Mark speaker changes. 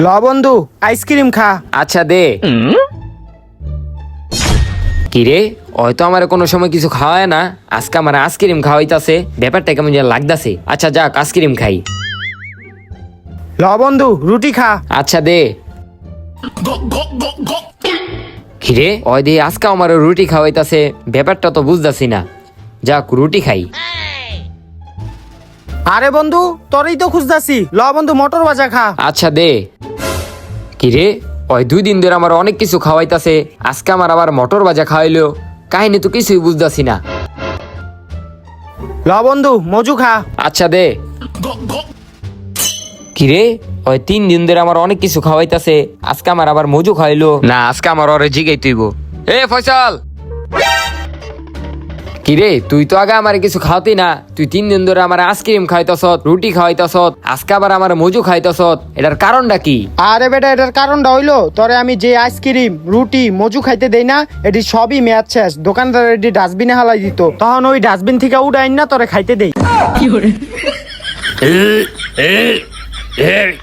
Speaker 1: ল বন্ধু আইসক্রিম খা।
Speaker 2: আচ্ছা দে। কিরে হয়তো আমার কোনো সময় কিছু খাওয়ায় না, আজকে আমার আইসক্রিম খাওয়াইতাছে, ব্যাপারটা কেমন যেন লাগতাছে। আচ্ছা যাক আইসক্রিম খাই।
Speaker 1: ল বন্ধু রুটি খা।
Speaker 2: আচ্ছা দে। কিরে ওই দে আজকে আমার রুটি খাওয়াইতাছে, ব্যাপারটা তো বুঝতাছি না। যাক রুটি খাই।
Speaker 1: আরে বন্ধু তোরই তো খুঁজতাছি, ল বন্ধু মটর ভাজা খা।
Speaker 2: আচ্ছা দে। কিরে ওই 2 দিন ধরে আমার অনেক কিছু খাওয়াইতাছে, আজকে আমার আবার মটর ভাজা খাওয়াইলো, কাহিনী তো কিছুই বুঝতাছি না।
Speaker 1: ল বন্ধু মজু খা।
Speaker 2: আচ্ছা দে। কিরে ওই 3 দিন ধরে আমার অনেক কিছু খাওয়াইতাছে, আজকে আমার আবার মজু খাইলো না, আজকে আমার ওরে জিগাই তুইব। এ ফয়সাল, কিরে তুই তো আগে আমার কিছু খাওয়াতি না, তুই 3 দিন ধরে আমার আইসক্রিম খাইতাছ, রুটি খাওয়াইতাছ, আজকে আবার আমার মজু খাইতাছ, এটার কারণটা কি?
Speaker 1: আরে বেটা এটার কারণটা হইলো তোরে আমি যে আইসক্রিম রুটি মজু খাইতে দেই না, এটি সবই মেয়াদ শেষ, দোকানদার এটি ডাস্টবিনে হালাই দিত, তখন ওই ডাস্টবিন থেকে উঠাইন না তোরে খাইতে দেই।